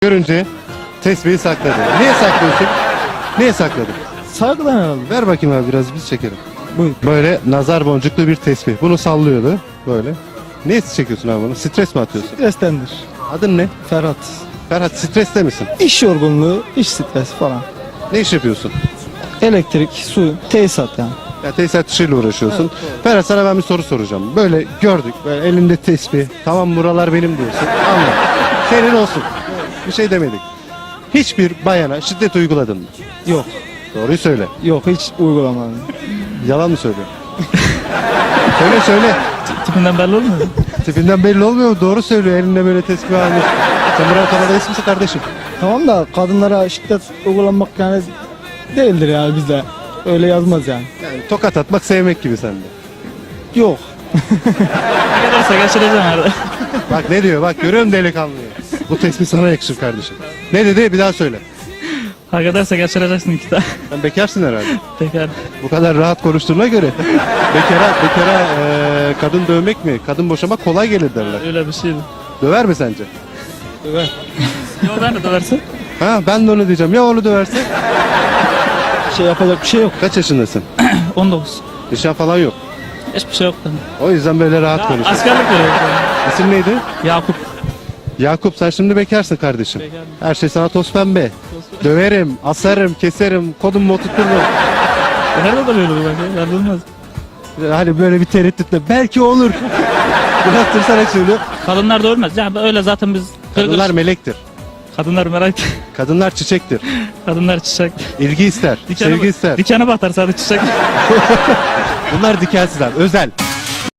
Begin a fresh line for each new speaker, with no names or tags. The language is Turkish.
Görünce tesbihi sakladı. Niye saklıyorsun? Niye sakladın?
Saygıdan herhalde.
Ver bakayım abi biraz biz çekelim.
Buyur.
Böyle nazar boncuklu bir tesbih. Bunu sallıyordu böyle. Niye çekiyorsun abi bunu? Stres mi atıyorsun?
Strestendir.
Adın ne?
Ferhat.
Ferhat, streste misin?
İş yorgunluğu, iş stresi falan.
Ne iş yapıyorsun?
Elektrik, su, tesisat yani.
Ya tesisat işiyle uğraşıyorsun. Ferhat, sana ben bir soru soracağım. Böyle gördük, böyle elinde tesbih. Tamam, buralar benim diyorsun. Anladım. Senin olsun. Bir şey demedik. Hiçbir bayana şiddet uyguladın mı?
Yok.
Doğruyu söyle.
Yok, hiç uygulamadım.
Yalan mı söylüyor? söyle.
Tipinden belli olmuyor mu?
Tipinden belli olmuyor mu? Doğru söylüyor. Elinde böyle tesbih almış. Sen buraya kadar değilsin kardeşim.
Tamam da kadınlara şiddet uygulanmak yani değildir yani bizde. Öyle yazmaz yani.
Yani tokat atmak sevmek gibi sende.
Yok.
Ne kadarsa geçireceğim herhalde.
Bak ne diyor, bak görüyor musun delikanlıyı? Bu tesbih sana yakışır kardeşim. Ne dedi, bir daha söyle.
Hak ederse geçireceksin iki tane.
Sen bekarsın herhalde.
Tekrar.
Bu kadar rahat konuştuğuna göre. Bekara kadın dövmek mi? Kadın boşamak kolay gelir derler.
Öyle bir şeydi.
Döver mi sence?
Evet.
Yok ben de döversin.
Ha, ben de onu diyeceğim. Ya onu döverse?
Şey yapacak bir şey yok.
Kaç yaşındasın?
19.
Nişan falan yok.
Hiçbir şey yok bende.
O yüzden böyle rahat konuşuyorsun.
Askerlik veriyor.
İsim neydi?
Yakup.
Yakup, sen şimdi bekarsın kardeşim.
Bekarım.
Her şey sana toz pembe. Döverim, asarım, keserim, kodumu oturturum.
Nerede duruyordu bu bak ya? Yardılmaz.
Hani böyle bir tereddütle belki olur. Biraz tırsarak söylüyor.
Kadınlar da ölmez. Yani öyle zaten biz...
Kadınlar melektir.
Kadınlar merak.
Kadınlar çiçektir.
Kadınlar çiçek.
İlgi ister, sevgi ister.
Dikene batar sadece çiçek.
Bunlar dikensizler, özel.